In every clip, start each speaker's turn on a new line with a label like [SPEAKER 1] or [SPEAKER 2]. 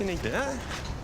[SPEAKER 1] Yine gidiyor ha?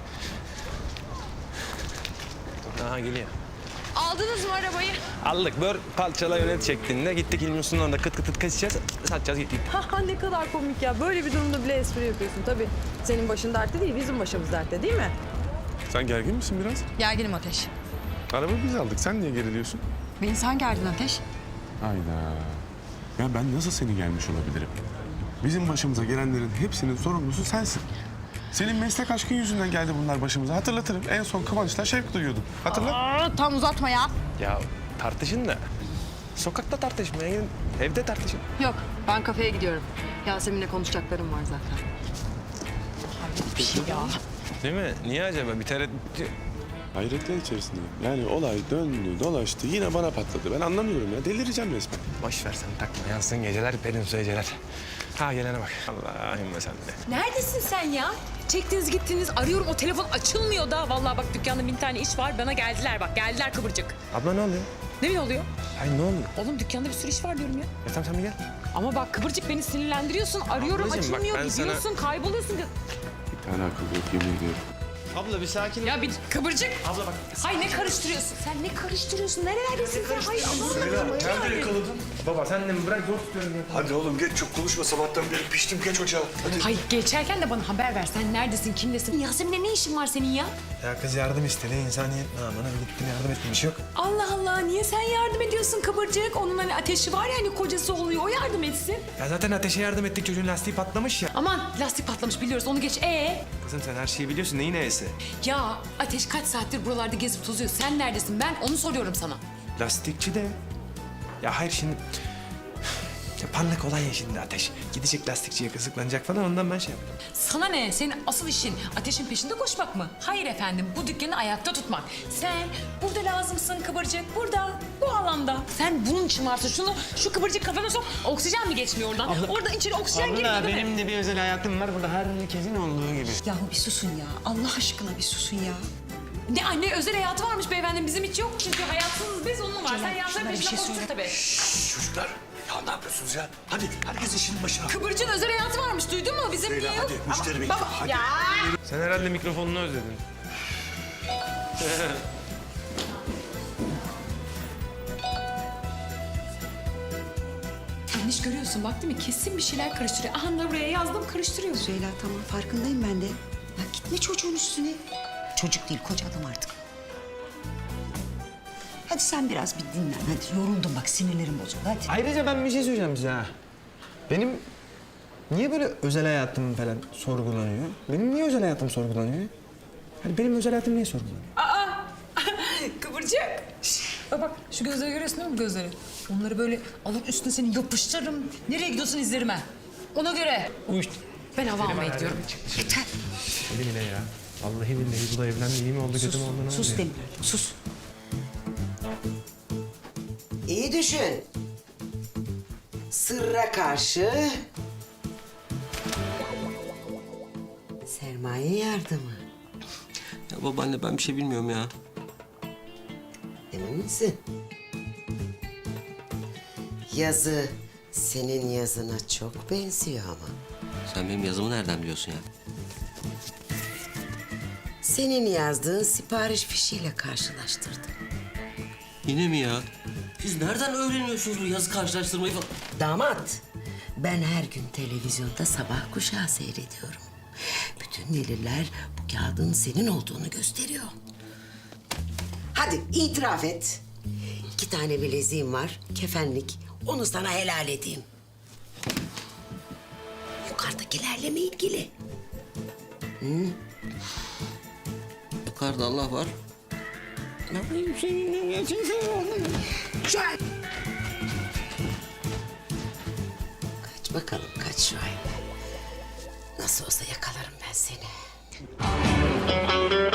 [SPEAKER 1] Aha geliyor.
[SPEAKER 2] Aldınız mı arabayı?
[SPEAKER 1] Aldık. Bör parçala yönet şeklinde. Gittik İlmi Sunan'da kıt kıt kıt kaçacağız. Satacağız gittik.
[SPEAKER 3] Ha ne kadar komik ya. Böyle bir durumda bile espri yapıyorsun tabii. Senin başın dertte değil, bizim başımız dertte değil mi?
[SPEAKER 4] Sen gergin misin biraz?
[SPEAKER 2] Gerginim Ateş.
[SPEAKER 4] Araba biz aldık. Sen niye geriliyorsun?
[SPEAKER 2] Beni sen gerdin Ateş.
[SPEAKER 4] Hayda. Ya ben nasıl seni gelmiş olabilirim? Bizim başımıza gelenlerin hepsinin sorumlusu sensin. Senin meslek aşkın yüzünden geldi bunlar başımıza. Hatırlatırım. En son Kıvanç'la şevk duyuyordun. Hatırla.
[SPEAKER 2] Tam uzatma ya.
[SPEAKER 1] Ya tartışın da. Sokakta tartışmaya gidin. Evde tartışın.
[SPEAKER 2] Yok, ben kafeye gidiyorum. Yasemin'le konuşacaklarım var zaten. Hayret bir şey ya.
[SPEAKER 1] Değil mi? Niye acaba? Bir tereddüt...
[SPEAKER 4] Hayretler içerisindeyim. Yani olay döndü, dolaştı. Yine bana patladı. Ben anlamıyorum ya. Delireceğim resmen.
[SPEAKER 1] Boş ver sen takma. Yansın geceler, perinsu geceler. Ha gelene bak. Allah'ım sen de.
[SPEAKER 5] Neredesin sen ya? Çektiniz gittiniz arıyorum o telefon açılmıyor da. Vallahi bak dükkanda 1000 tane iş var bana geldiler bak geldiler kıvırcık.
[SPEAKER 1] Abla ne oluyor?
[SPEAKER 5] Ne oluyor?
[SPEAKER 1] Ay ne oluyor?
[SPEAKER 5] Oğlum dükkanda bir sürü iş var diyorum ya.
[SPEAKER 1] Ya tamam sen bir gel.
[SPEAKER 5] Ama bak kıvırcık beni sinirlendiriyorsun arıyorum
[SPEAKER 1] Ablacığım, bak
[SPEAKER 5] açılmıyor
[SPEAKER 1] ben sana-
[SPEAKER 5] gidiyorsun kayboluyorsun.
[SPEAKER 4] Bir tane akıl yok yemin ediyorum.
[SPEAKER 1] Abla bir sakin ol.
[SPEAKER 5] Ya bir kıvırcık.
[SPEAKER 1] Abla bak.
[SPEAKER 5] Hay ne karıştırıyorsun? Sen ne karıştırıyorsun? Nerelerdesin sen? Hay
[SPEAKER 6] Nerede yakaladın?
[SPEAKER 1] Baba sen de mi bırak zor tutuyorum ya.
[SPEAKER 6] Hadi oğlum geç çok konuşma sabahtan beri piştim geç ocağa. Hadi.
[SPEAKER 5] Hay geçerken de bana haber ver. Sen neredesin? Kimdesin? Yasemin'le ne işin var senin ya?
[SPEAKER 1] Ya kız yardım istedi. İnsaniyet namına gittim yardım ettim. Bir şey yok.
[SPEAKER 5] Allah Allah niye sen yardım ediyorsun kıvırcık? Onun hani ateşi var ya hani kocası oluyor o yardım etsin.
[SPEAKER 1] Ya zaten ateşe yardım ettik. Çocuğun lastiği patlamış ya.
[SPEAKER 5] Aman lastik patlamış biliyoruz onu geç.
[SPEAKER 1] Kızım sen her şeyi biliyorsun. Neyin neyse?
[SPEAKER 5] Ya Ateş kaç saattir buralarda gezip tozuyor. Sen neredesin? Ben onu soruyorum sana.
[SPEAKER 1] Lastikçi de. Ya hayır şimdi... Ya parlak olan ya şimdi Ateş. Gidecek lastikçiye kızıklanacak falan ondan ben şey yaptım.
[SPEAKER 5] Sana ne? Senin asıl işin Ateş'in peşinde koşmak mı? Hayır efendim bu dükkanı ayakta tutmak. Sen burada lazımsın kıvırcık. Burada bu alanda. Sen bunun için varsın. Şu kıvırcık kafana sok. Oksijen mi geçmiyor oradan? Oradan içeri oksijen girmiyor değil mi?
[SPEAKER 1] benim de bir özel hayatım var burada herkesin olduğu gibi.
[SPEAKER 7] Yahu bir susun ya. Allah aşkına bir susun ya.
[SPEAKER 5] Ne anne özel hayatı varmış beyefendi. Bizim hiç yok çünkü hayatsız biz onun var. Sen yanların
[SPEAKER 7] şuna bir
[SPEAKER 5] peşinde
[SPEAKER 7] şey
[SPEAKER 5] koştun
[SPEAKER 7] söyle.
[SPEAKER 5] tabii.
[SPEAKER 6] Çocuklar ya ne yapıyorsunuz ya? Hadi herkes işinin başına.
[SPEAKER 5] Kıvırcığın özel hayatı varmış duydun mu? Bizim
[SPEAKER 6] Leyla,
[SPEAKER 5] niye yok?
[SPEAKER 6] hadi, müşteri bekliyor,
[SPEAKER 5] Baba,
[SPEAKER 6] hadi.
[SPEAKER 5] Ya.
[SPEAKER 1] Sen herhalde mikrofonunu özledin.
[SPEAKER 5] Sen hiç görüyorsun bak değil mi? Kesin bir şeyler karıştırıyor. Aha da buraya yazdım karıştırıyor.
[SPEAKER 7] Süheyla tamam farkındayım ben de. Ya gitme çocuğun üstüne. Çocuk değil koca adam artık. Hadi sen biraz bir dinlen. Hadi yoruldum bak sinirlerim bozuldu hadi.
[SPEAKER 8] Ayrıca ben bir şey söyleyeceğim size ha. Benim niye böyle özel hayatım falan sorgulanıyor? Benim niye özel hayatım sorgulanıyor? Hani benim özel hayatım niye sorgulanıyor?
[SPEAKER 5] Kıvırcık. Bak şu gözleri görüyorsun değil mi bu gözleri? Onları böyle alıp üstüne seni yapıştırırım. Nereye gidiyorsun izlerime? Ona göre.
[SPEAKER 1] Uyuştu.
[SPEAKER 5] Ben hava almaya gidiyorum.
[SPEAKER 7] Yeter.
[SPEAKER 1] Deli bile ya. Vallahi billahi bu da evlendi. İyi mi oldu kötü mü oldu ne oldu?
[SPEAKER 7] Sus
[SPEAKER 1] ya?
[SPEAKER 7] Demir sus.
[SPEAKER 9] İyi düşün. Sırra karşı sermaye yardımı.
[SPEAKER 10] Ya babaanne ben bir şey bilmiyorum ya.
[SPEAKER 9] Emin misin? Yazı senin yazına çok benziyor ama.
[SPEAKER 10] Sen benim yazımı nereden biliyorsun ya?
[SPEAKER 9] Senin yazdığın sipariş fişiyle karşılaştırdım.
[SPEAKER 10] Yine mi ya? Siz nereden öğreniyorsunuz bu yazı karşılaştırmayı falan?
[SPEAKER 9] Damat, ben her gün televizyonda sabah kuşağı seyrediyorum. Bütün deliller bu kağıdın senin olduğunu gösteriyor. Hadi itiraf et. 2 tane bileziğim var, kefenlik. Onu sana helal edeyim. Yukarıdakilerle mi ilgili?
[SPEAKER 10] Yukarıda Allah var.
[SPEAKER 9] Şuayb! Kaç bakalım, kaç Şuayb. Nasıl olsa yakalarım ben seni.